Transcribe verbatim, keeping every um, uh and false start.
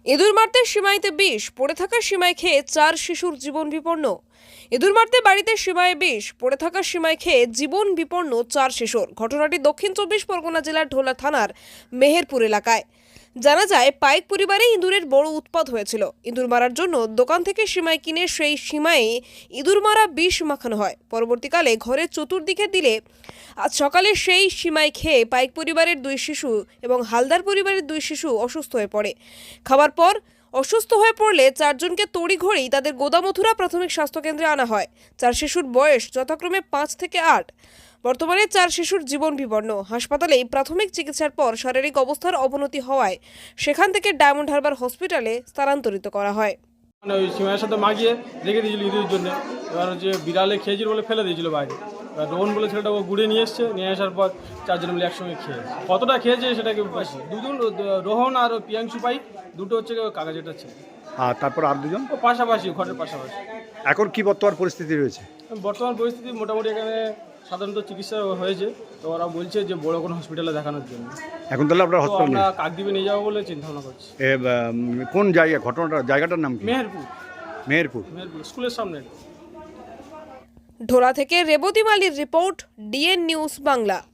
ইঁদুর মারতে সীমাইতে বিষ, পড়ে থাকা সীমায় খেয়ে চার শিশুর জীবন বিপন্ন। ইঁদুর মারতে বাড়িতে সীমায় বিষ, পড়ে থাকা সীমায় খেয়ে জীবন বিপন্ন চার শিশুর। ঘটনাটি দক্ষিণ চব্বিশ পরগনা জেলার ঢোলা থানার মেহেরপুর এলাকায়। জানা যায়, পাইক পরিবারে ইঁদুরের বড় উৎপাত হয়েছিল। ইঁদুর মারার জন্য দোকান থেকে সীমায় কিনে সেই সীমায় ইঁদুর মারা বিষ মাখানো হয়। পরবর্তীকালে ঘরের চতুর্দিকে দিলে আজ সকালে সেই সীমায় খেয়ে পাইক পরিবারের দুই শিশু এবং হালদার পরিবারের দুই শিশু অসুস্থ হয়ে পড়ে। খাবার পর অসুস্থ হয়ে পড়লে চারজনকে তড়িঘড়ি তাদের গোদামথুরা প্রাথমিক স্বাস্থ্যকেন্দ্রে আনা হয়। চার শিশুর বয়স যথাক্রমে পাঁচ থেকে আট। বর্তমানে চার শিশুর জীবন বিপন্ন। হাসপাতালে প্রাথমিক চিকিৎসার পর শারীরিক অবস্থার অবনতি হওয়ায় সেখান থেকে ডায়মন্ড হারবার হসপিটালে স্থানান্তরিত করা হয়। মানে ওই সীমার সাথে মাখিয়ে রেখে দিয়েছিল ইঁদুরের জন্য। এবার হচ্ছে বিড়ালে খেয়েছিল বলে ফেলে দিয়েছিল বাইরে। এবার রোহন বলে ছেলেটা ও গুড়ে নিয়ে এসছে, নিয়ে আসার পর চারজন মিলে একসঙ্গে খেয়েছে। কতটা খেয়েছে সেটাকে বেশি দুজন, রোহন আর পিয়াংশু পাই দুটো হচ্ছে কাগজেটা ছিল। আর তারপর আর দুজন ও পাশাপাশি, ঘরের পাশাপাশি। এখন কি বর্তমান পরিস্থিতি রয়েছে? বর্তমান পরিস্থিতি মোটামুটি এখানে সাধারণত চিকিৎসা হয়েছে, তো ওরা বলছে যে বড় কোনো হসপিটালে দেখানোর জন্য। এখন তাহলে আপনার তো হসপিটাল আমরা কাকদ্বীপে নিয়ে যাবো বলে চিন্তা ভাবনা করছি। কোন জায়গা, ঘটনাটা জায়গাটার নাম কি? মেহেরপুর। মেহেরপুর মেহেরপুর স্কুলের সামনে। ঢোলা থেকে রেবতী মালির রিপোর্ট, ডিএন নিউজ বাংলা।